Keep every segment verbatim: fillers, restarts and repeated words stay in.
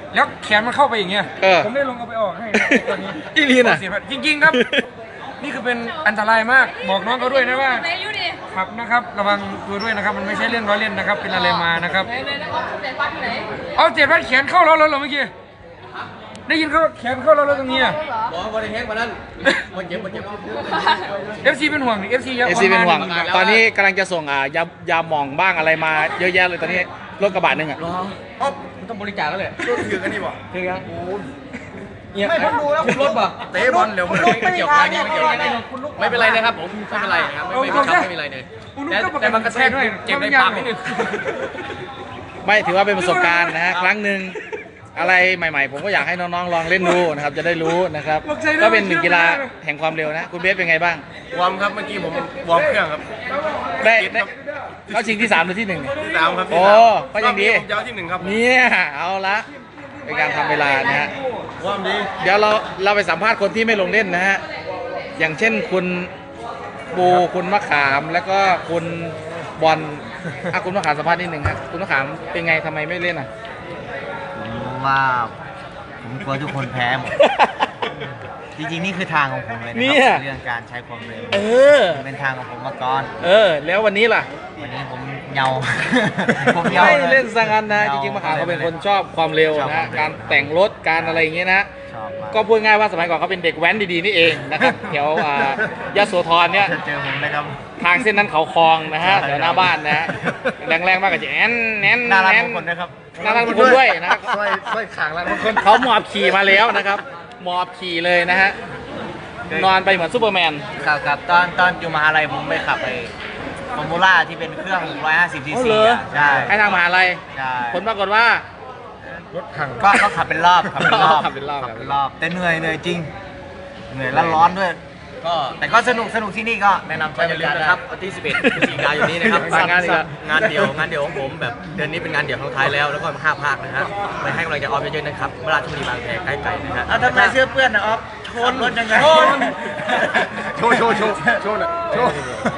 แล้วแขนมันเข้าไปอย่างเงี้ยผมได้ลงเอาไปออกให้ตอนนี้อีลีน่ะจริงๆครับนี่คือเป็นอันตรายมากบอกน้องเขาด้วยนะว่าขับนะครับระวังตัวด้วยนะครับมันไม่ใช่เรื่องล้อเล่นนะครับเป็นอะไรมานะครับเอาเจ็บพัดแขนเข้าแล้วเหรอเมื่อกี้ได้ยินเขาแขนเข้าแล้วตรงนี้อ่ะบอกว่าได้แฮกมานั่นมันเจ็บมันเจ็บเอฟซีเป็นห่วงเอฟซีเยอะเอฟซีเป็นห่วงตอนนี้กำลังจะส่งอ่ายายาหมองบ้างอะไรมาเยอะแยะเลยตอนนี้รถกระบะหนึ่งอ่ะอ๋อมันต้องบริจาคแล้วแหละรถถือกันนี่บ่ถือกันไม่ผมดูแล้วคุณรถป่ะเตะบอลเร็วไม่เกี่ยวกันไม่เกี่ยวกันไม่เป็นไรนะครับผมไม่เป็นไรครับไม่ไม่ไม่เป็นไรเลยแต่มันกระแทกด้วยเจ็บในปากนิดนึงไม่ถือว่าเป็นประสบการณ์นะฮะครั้งหนึ่งอะไรใหม่ๆผมก็อยากให้น้องๆลองเล่นดูนะครับจะได้รู้นะครับก็เป็นหนึ่งกีฬาแห่งความเร็วนะคุณเบสเป็นไงบ้างวอร์มครับเมื่อกี้ผมวอร์มเครื่องครับได้เขาชิงที่สามหรือที่หนึ่งที่สามครับโอ้ก็ยังดียาวที่หนึ่งครับเนี่ยเอาละเป็นการทำเวลานะฮะวอร์มดีเดี๋ยวเราเราไปสัมภาษณ์คนที่ไม่ลงเล่นนะฮะอย่างเช่นคุณบูคุณมะขามแล้วก็คุณบอลอ่ะคุณมะขามสัมภาษณ์นิดหนึ่งครับคุณมะขามเป็นไงทำไมไม่เล่นอ่ะว่าผมกลัวทุกคนแพ้หมดจริงๆนี่คือทางของผมเลยนะครับเรื่องการใช้ความเร็วเออเป็นทางของผมมาก่อนเออแล้ววันนี้ล่ะวันนี้ผมเงาผมเงาไม่เล่นสังกันนะจริงๆมะขามเขาเป็นคนชอบความเร็วนะการแต่งรถการอะไรอย่างเงี้ยนะก็พูดง่ายว่าสมัยก่อนเขาเป็นเด็กแว้นดีๆนี่เองนะครับแถวยโสธรเนี่ยเจอผมนะครับทางเส้นนั้นเขาคลองนะฮะแถวหน้าบ้านนะแรงๆมากกับจะแอนแอนน่ารักคนนะครับน่ารักคนด้วยนะครับช่วยช่วยขางแล้วบางคนเขาหมอบขี่มาแล้วนะครับหมอบขี่เลยนะฮะนอนไปเหมือนซูเปอร์แมนครับครับตอนตอนอยู่มหาลัยผมไปขับไปฟอร์มูล่าที่เป็นเครื่องหนึ่งร้อยห้าสิบซีซีใช่ให้ทางมหาลัยผลปรากฏว่ารถถังก็ก็ขับเป็นรอบขับเป็นรอบขับเป็นรอบขับเป็นรอบแต่เหนื่อยเหนื่อยจริงเหนื่อยแล้วร้อนด้วยก็แต่ก็สนุกสนุกที่นี่ก็แนะนำใช้บริการนะครับวันที่สิบเอ็ดพฤศจิกายนนี้นะครับงานงานเดี่ยวงานเดี่ยวของผมแบบเดือนนี้เป็นงานเดี่ยวครั้งท้ายแล้วแล้วก็ห้าภาคนะฮะไปให้กำลังใจออฟเยอะๆนะครับเวลาชลบุรีบางแคใกล้ๆนะฮะทำไมเสื้อเปื้อนนะออฟชนรถยังไงโชว์โชว์โชว์โชว์โชว์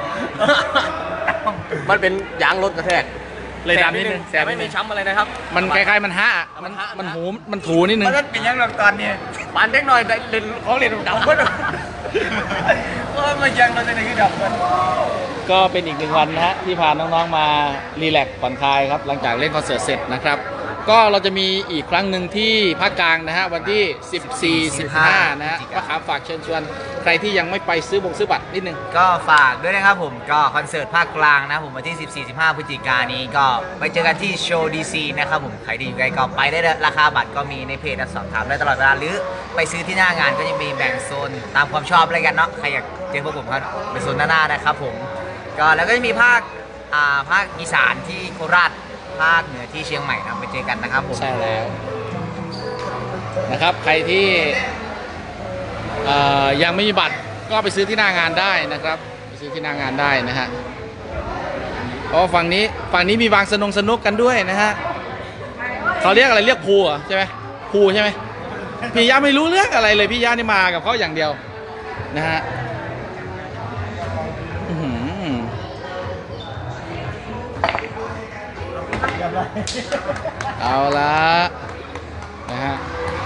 มันเป็นยางรถกระแทกเลยดำนิดนึงแต่ไม่มีช้ำอะไรนะครับมันคล้ายๆมันฮะมันมันหูมันถูนิดนึงเพราะนั้นเป็นยังหลังตอนนี้ปานเล็กหน่อยเล่นของเล่นดำก็ว่ามันยังเราจะได้ขึ้นดับกันก็เป็นอีกหนึ่งวันนะฮะที่พาน้องๆมารีแลกซ์ผ่อนคลายครับหลังจากเล่นคอนเสิร์ตเสร็จนะครับก็เราจะมีอีกครั้งหนึ่งที่ภาคกลางนะฮะวันที่สิบสี่ สิบห้านะฮะมะขามฝากเชิญชวนใครที่ยังไม่ไปซื้อบงซื้อบัตรนิดนึงก็ฝากด้วยนะครับผมก็คอนเสิร์ตภาคกลางนะผมวันที่สิบสี่ สิบห้าพฤศจิกายนนี้ก็ไปเจอกันที่โชว์ดีซีนะครับผมใครที่อยู่ใกล้ก็ไปได้ราคาบัตรก็มีในเพจสอบถามได้ตลอดเวลาหรือไปซื้อที่หน้างานก็จะมีแบ่งโซนตามความชอบอะไรกันเนาะใครอยากเจอพวกผมก็ไปโซนหน้าๆนะครับผมก็แล้วก็จะมีภาคอ่าภาคอีสานที่โคราชภาคเหนือที่เชียงใหม่นะไปเจอกันนะครับผมใช่แล้วนะครับใครที่ยังไม่มีบัตรก็ไปซื้อที่หน้างานได้นะครับไปซื้อที่หน้างานได้นะฮะเพราะฝั่งนี้ฝั่งนี้มีวางสนุกสนุกกันด้วยนะฮะเขาเรียกอะไรเรียกพูใช่ไหมพูใช่ไหมพี่ยาไม่รู้เรื่องอะไรเลยพี่ยานี่มากับเขาอย่างเดียวนะฮะเอาละนะฮะ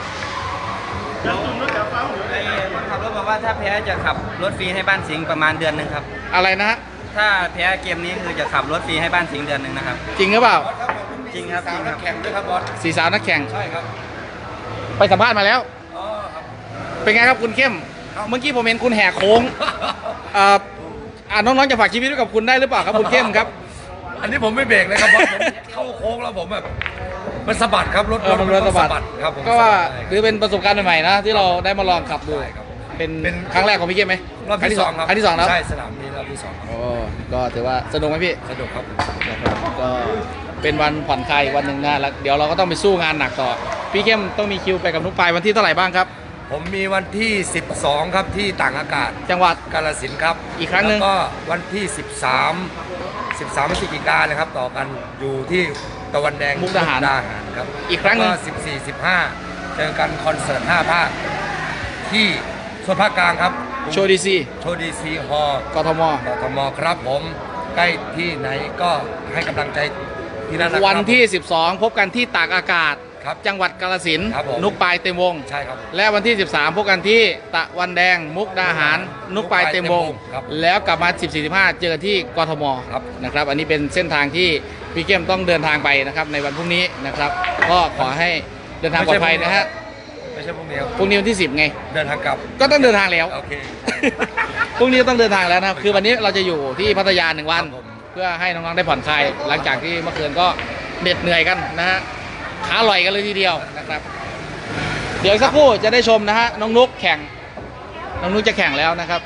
คนขับรถบอกว่าถ้าแพ้จะขับรถฟรีให้บ้านสิงห์ประมาณเดือนหนึ่งครับอะไรนะฮะถ้าแพ้เกมนี้คือจะขับรถฟรีให้บ้านสิงห์เดือนหนึ่งนะครับจริงหรือเปล่าจริงครับจริงครับแข่งด้วยครับบอสสี่สาวนักแข่งใช่ครับไปสัมภาษณ์มาแล้วอ๋อครับเป็นไงครับคุณเข้มเมื่อกี้ผมเห็นคุณแหกโค้งอ่าน้องๆจะฝากชีวิตไว้กับคุณได้หรือเปล่าครับคุณเข้มครับอันนี้ผมไม่เบรกเลยครับผมเข้าโค้งแล้วผมแบบมันสะบัดครับรถรถมันสะบัดครับผมก็ว่าหรือเป็นประสบการณ์ใหม่ๆนะที่เราได้มาลองขับดูเป็นครั้งแรกของพี่เข้มไหมรอบที่สองครับครั้งที่สองแล้วใช่สนามนี้รอบที่สองโอ้ก็ถือว่าสนุกไหมพี่สนุกครับก็เป็นวันผ่อนคลายวันหนึ่งนะแล้วเดี๋ยวเราก็ต้องไปสู้งานหนักต่อพี่เข้มต้องมีคิวไปกับนุ๊กปายวันที่เท่าไหร่บ้างครับผมมีวันที่สิบสองครับที่ต่างอากาศจังหวัดกาฬสินธุ์ครับอีกครั้งหนึ่งแล้วก็วันที่สิบสามสิบสามพฤศจิกายนนะครับต่อกันอยู่ที่ตะวันแดงมุกดาหารครับอีกครั้งหนึ่งสิบสี่ สิบห้าเจอกันคอนเสิร์ตห้าภาคที่ส่วนภาคกลางครับโชว์ดีซีโชว์ดีซีฮอลล์กทมกทมครับผมใกล้ที่ไหนก็ให้กำลังใจที่นั่นวันที่สิบสองพบกันที่ตากอากาศครับจังหวัดกาฬสินธุ์ครับผมนุกปลายเต็มวงใช่ครับและวันที่ สิบสาม พบกันที่ตะวันแดงมุกดาหาร นุกปลายเต็มวงครับแล้วกลับมา สิบสี่ สิบห้า เจอกันที่กทมครับนะครับ อันนี้เป็นเส้นทางที่พี่เข้มต้องเดินทางไปนะครับในวันพรุ่งนี้นะครับ ก็ขอให้เดินทางปลอดภัยนะฮะไม่ใช่พวกนี้ครับพรุ่งนี้วันที่ สิบ ไงเดินทางกลับก็ต้องเดินทางแล้วโอเคพรุ่งนี้ต้องเดินทางแล้วนะครับ คือวันนี้เราจะอยู่ที่พัทยาหนึ่งวันครับผมเพื่อให้น้องๆได้ผ่อนคลาย หลังจากที่เมื่อคืนก็เหน็ดเหนื่อยกันนะฮะ ขาลอยกันเลยทีเดียวนะครับ เดี๋ยวอีกสักครู่จะได้ชมนะฮะ น้องนุกแข่ง น้องนุกจะแข่งแล้วนะครับ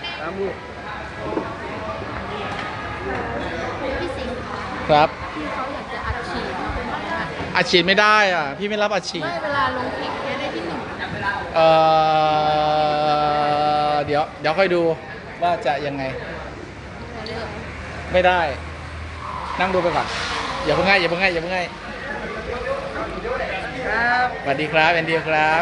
ครับที่เขาอยากจะอัดฉีดมาเป็นอะไรนะอัดฉีดไม่ได้อ่ะ พี่ไม่รับอัดฉีดไม่เวลาลงแข่งจะได้ที่หนึ่งเอ่อ เดี๋ยวเดี๋ยวค่อยดูว่าจะยังไง ไม่ได้ นั่งดูไปก่อน อย่าเพิ่งให้อย่าเพิ่งให้อย่าเพิ่งให้สวัสดีครับแอนดี้ครับ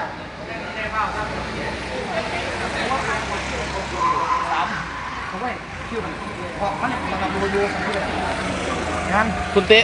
คุณเตะ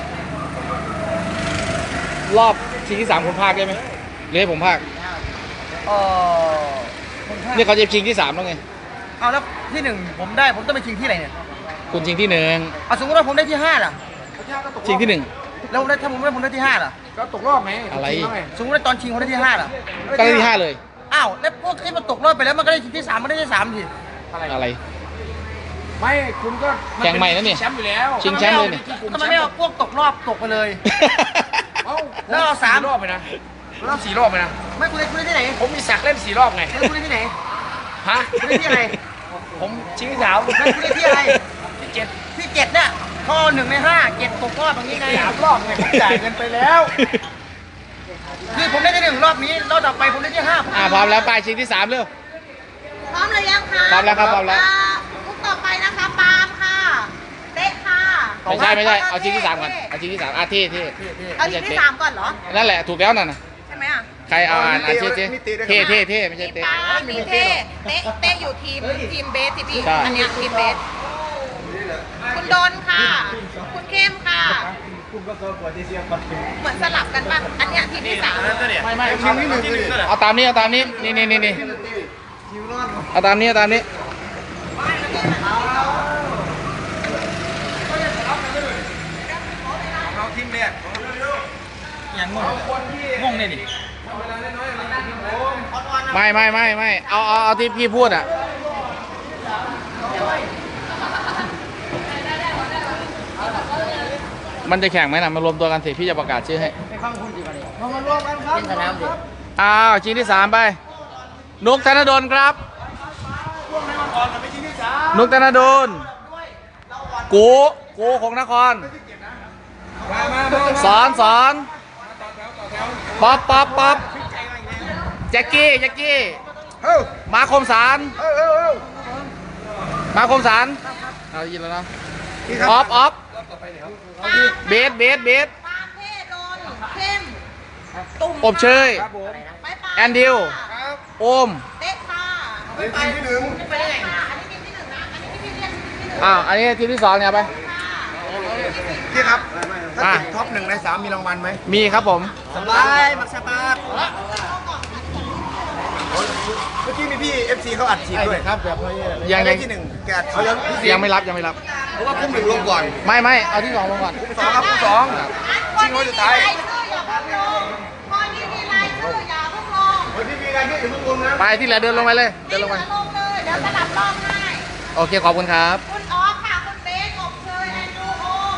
รอบชิงที่สามคุณภาคได้ไหมหรือให้ผมภาคเออผมถ้าเนี่ยเขาจะชิงที่สามแล้วไงเอาแล้วที่หนึ่งผมได้ผมต้องไปชิงที่ไหนเนี่ยคุณชิงที่หนึ่งเอาสมมติว่าผมได้ที่ห้าล่ะชิงที่หนึ่งแล้วผมได้ถ้าผมได้ผมได้ที่ห้าล่ะก็ตกรอบไหมอะไรสมมติว่าตอนชิงผมได้ที่ห้าล่ะก็ได้ที่ห้าเลยอ้าวแล้วพวกที่มันตกรอบไปแล้วมันก็ได้ชิงที่สามมันได้ที่สามทีอะไรไม่คุณก็แข่งใหม่นะเนี่ยแชมป์อยู่แล้วชิงแชมป์เลยนี่ทำไมไม่เอาพวกตกรอบตกไปเลยเอ้าแล้วเอาสามรอบไปนะรอบสี่รอบไปนะไม่คุณได้คุณได้ที่ไหนผมมีสักเล่นสี่รอบไงแล้วคุณได้ที่ไหนฮะคุณได้ที่อะไรผมชิงที่สามแล้วคุณได้ที่อะไรที่เจ็ดที่เจ็ดเนี่ยข้อหนึ่งในห้าเจ็ดตกรอบอย่างนี้ไงสามรอบไงผมจ่ายเงินไปแล้วคือผมได้ที่หนึ่งรอบนี้รอบต่อไปผมได้ที่ห้าอ่าพร้อมแล้วไปชิงที่สามเร็วพร้อมเลยยังคะพร้อมแล้วครับพร้อมแล้วาลูกต่อไปนะคะปาล์มค่ะเต๊ะค่ะไม่ใช่ไม่ใช่ เอาชิงที่สามก่อน เอาชิงที่สามอาที่ที่เอาทีที่สามก่อนเหรอนั่นแหละถูกแล้วนั่นน่ะใช่ไหมอ่ะใครเอาอ่านอาเท่เท่เท่เท่เท่ไม่ใช่มีเท่ปาล์มมีเต้เต๊ะเต๊ะอยู่ทีมทีมเบสที่พี่ใช่อันเนี้ยทีมเบสคุณดนค่ะ คุณเข้มค่ะเหมือนสลับกันป่ะอันเนี้ยทีมที่สามไม่ไม่เอาตามนี้เอาตามนี้นี่นี่นี่นี่เอาตามนี้เอาตามนี้เอาทีมแรกอย่างงงงงเนี่ยดิไม่ไม่ไม่ไม่เอาเอาเอาที่พี่พูดอ่ะมันจะแข่งไหมนะมารวมตัวกันสิพี่จะประกาศชื่อให้เรามารวมกันครับเป็นสนามดิอ้าวชิงที่สามไป นุกธนดลครับ นุกธนดลกูกูของนคร สอนสอนป๊อปป๊อปป๊อปแจ็คกี้แจ็คกี้มาคมสารมาคมสารเอาได้ยินแล้วนะออฟออฟเบสเบสเบสปาล์มเท่โดนเข้มตุ่มอบเชยไปปาล์มแอนดิวโอมเต๊ะค่ะไปไปที่หนึ่งไปได้ไงค่ะอันนี้ทีมที่หนึ่งนะอันนี้ที่พี่เรียกทีมที่หนึ่งอ้าวอันนี้ทีมที่สองเนี่ยไปพี่ครับ ถ้าอ่ะติดท็อปหนึ่งในสามมีรางวัลไหมมีครับผมสบายมักสตาร์ทเมื่อกี้มีพี่ เอฟ ซี เขาอัดฉีดด้วยครับแบบยังได้ยังที่หนึ่งแกอัดเขายังยังไม่รับยังไม่รับเพราะว่าพุ่มหนึ่งลงก่อนไม่ไม่เอาที่สองลงก่อนสองครับสองคนที่มีรายชื่ออย่าเพิ่งลงคนที่มีรายชื่ออย่าเพิ่งลงวันที่มีการยื่นถึงพุ่มลงนะไปที่เหลือเดินลงไปเลยเดินลงไปลงเลยเดี๋ยวสลับรอบให้โอเคขอบคุณครับคุณออฟค่ะคุณเบสอบเชยแอนดูโอม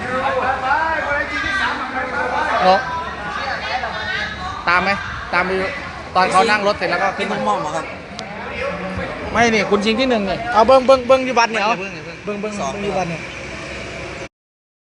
นกตามไหมตามไปตอนเขานั่งรถเสร็จแล้วก็ขึ้นมาครับไม่นี่คุณชิงที่หนึ่งเนี่ยเอาเบิ้งเบิ้งเบิ้งอยูบัตรเนี่ยเอาเบิ้งเบิ้งเบิ้งอยูบัตรเนี่ย